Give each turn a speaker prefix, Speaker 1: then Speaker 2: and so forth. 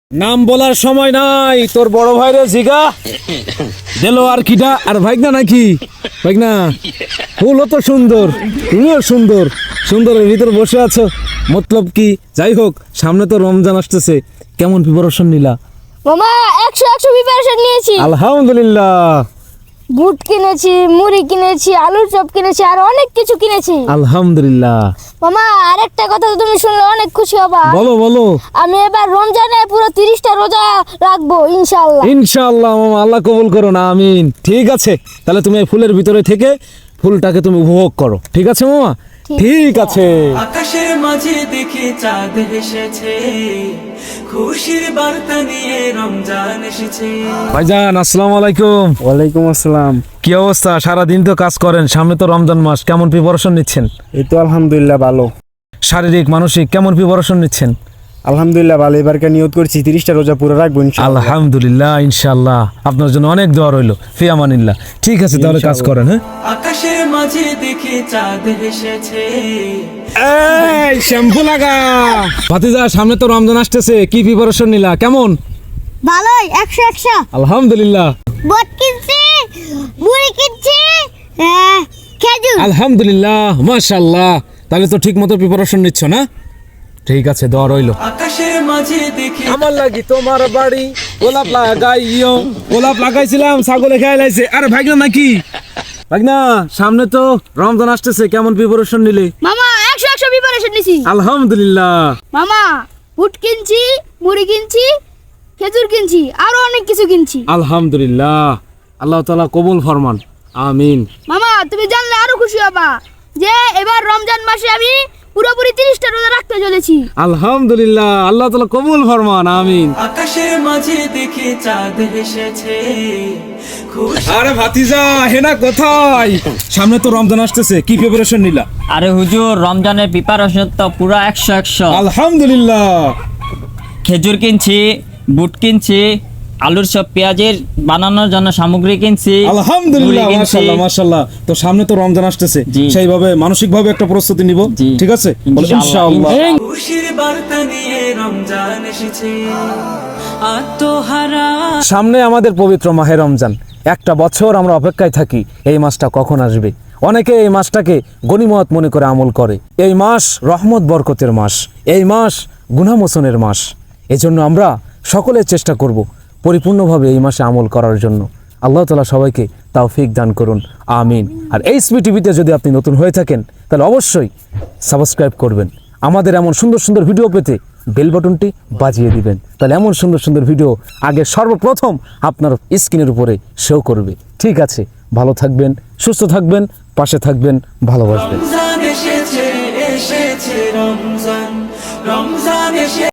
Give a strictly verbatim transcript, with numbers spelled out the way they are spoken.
Speaker 1: নাম বলার সময় নাই, তোর বড় ভাইরে জিগা দিল আর কিটা আর ভাইগনা নাকি ভাইগনা ফুল তো সুন্দর, তুমিও সুন্দর, সুন্দরের ভিতর বসে আছো, মতলব কি? যাই হোক, সামনে তো রমজান আসতেছে, কেমন প্রিপারেশন নিলা?
Speaker 2: মামা একশো একশো প্রিপারেশন নিয়েছি।
Speaker 1: আলহামদুলিল্লাহ।
Speaker 2: বুট কিনেছি, মুড়ি কিনেছি, আলুর চপ কিনেছি, আর অনেক কিছু কিনেছি।
Speaker 1: আলহামদুলিল্লাহ।
Speaker 2: মামা আরেকটা কথা তো তুমি শুনলে অনেক খুশি হবা।
Speaker 1: বলো বলো।
Speaker 2: আমি এবার রমজানে পুরো তিরিশটা রোজা রাখবো ইনশাআল্লাহ।
Speaker 1: ইনশাআল্লাহ মামা, আল্লাহ কবুল করো না, আমিন। ঠিক আছে, তাহলে তুমি এই ফুলের ভিতরে থেকে ফুলটাকে তুমি উপভোগ করো, ঠিক আছে মামা? ঠিক আছে।
Speaker 3: আকাশের মাঝে দেখে চাঁদ এসেছে, খুশির বার্তা নিয়ে রমজান এসেছে।
Speaker 1: ভাইজান আসসালামু আলাইকুম।
Speaker 4: ওয়ালাইকুম আসসালাম।
Speaker 1: কি অবস্থা? সারা দিন তো কাজ করেন, সামনে তো রমজান মাস, কেমন প্রিপারেশন নিচ্ছেন?
Speaker 4: এই তো আলহামদুলিল্লাহ ভালো।
Speaker 1: শারীরিক মানসিক কেমন প্রিপারেশন নিচ্ছেন?
Speaker 4: আলহামদুলিল্লাহ ভালো। এবারকে নিয়ত করছি তিরিশটা রোজা পুরো রাখবো ইনশাআল্লাহ।
Speaker 1: আলহামদুলিল্লাহ, ইনশাআল্লাহ। আপনার জন্য অনেক দোয়া রইল। ফি আমানিল্লাহ। ঠিক আছে, তাহলে কাজ করেন। হ্যাঁ,
Speaker 3: আকাশের মাঝে দেখে চাঁদ এসেছে।
Speaker 1: এই শ্যাম্পু লাগা। ভাতিজা, সামনে তো রমজান আসতেছে, কি প্রিপারেশন নিলা? কেমন?
Speaker 2: ভালোই, একশো একশো।
Speaker 1: আলহামদুলিল্লাহ।
Speaker 2: বুট কিনছি, মুড়ি কিনছি, হ্যাঁ, খেজুর।
Speaker 1: আলহামদুলিল্লাহ, মাশাআল্লাহ। তাহলে তো ঠিক মতো প্রিপারেশন নিচ্ছ না? ঠিক আছে, দোয়া রইল।
Speaker 3: আকাশের মাঝে দেখে
Speaker 1: আমার লাগি তোমার বাড়ি গোলাপ লাগাইও, গোলাপ লাগাইছিলাম, ছাগলে খেয়ে লাইছে। আরে ভাগনা নাকি? ভাগনা, সামনে তো রমজান আসতেছে, কেমন প্রিপারেশন নিলে?
Speaker 2: মামা একশো একশো প্রিপারেশন নিছি।
Speaker 1: আলহামদুলিল্লাহ।
Speaker 2: মামা বুট কিনছি, মুড়ি কিনছি, খেজুর কিনছি, আরো অনেক কিছু কিনছি।
Speaker 1: আলহামদুলিল্লাহ, আল্লাহ তাআলা কবুল ফরমান, আমিন।
Speaker 2: মামা তুমি জানলে আরো খুশি হবা যে এবার রমজান মাসে আমি পুরোপুরি তিরিশটা রোজা রাখতে চলেছি।
Speaker 1: আলহামদুলিল্লাহ, আল্লাহ তাআলা কবুল ফরমান, আমিন।
Speaker 3: আকাশের মাঝে দেখে চাঁদ এসেছে, খুশি
Speaker 1: আরে ভাতিজা, হেনা কোথায়? সামনে তো রমজান আসতেছে, কি প্রিপারেশন নিলা?
Speaker 5: আরে হুজুর, রমজানের প্রিপারেশন তো পুরো একশো একশো।
Speaker 1: আলহামদুলিল্লাহ।
Speaker 5: খেজুর কিনছি, বুট কিনছি, আলুর সব পেঁয়াজের বানানোর জন্য সামগ্রী কিনছি।
Speaker 1: আলহামদুলিল্লাহ,
Speaker 5: মুড়ি কিনছি।
Speaker 1: মাশাআল্লাহ মাশাআল্লাহ। তো সামনে তো রমজান আসতেছে,
Speaker 5: জি।
Speaker 1: সেইভাবে মানসিকভাবে একটা প্রস্তুতি নিব,
Speaker 5: জি।
Speaker 1: ঠিক আছে? বলো
Speaker 5: ইনশাআল্লাহ।
Speaker 1: ইনশাআল্লাহ।
Speaker 3: খুশির বার্তা নিয়ে রমজান এসেছে। আত্মহারা
Speaker 1: সামনে আমাদের পবিত্র মাহে রমজান, একটা বছর আমরা অপেক্ষায় থাকি এই মাসটা কখন আসবে। অনেকে এই মাসটাকে গনিমত মনে করে আমল করে। এই মাস রহমত বরকতের মাস, এই মাস গুনাহমোচনের মাস। এজন্য আমরা সকলে চেষ্টা করব পরিপূর্ণভাবে এই মাসে আমল করার জন্য। আল্লাহ তাআলা সবাইকে তৌফিক দান করুন, আমিন। আর এই এস পি টিভিতে যদি আপনি নতুন হয়ে থাকেন, তাহলে অবশ্যই সাবস্ক্রাইব করবেন। আমাদের এমন সুন্দর সুন্দর ভিডিও পেতে বেল বাটনটি বাজিয়ে দিবেন, তাহলে এমন সুন্দর সুন্দর ভিডিও আগে সর্বপ্রথম আপনার স্ক্রিনের উপরে শো করবে। ঠিক আছে, ভালো থাকবেন, সুস্থ থাকবেন, পাশে থাকবেন, ভালোবাসবেন।
Speaker 3: রমজান এসেছে, এসেছে রমজান, রমজান এসে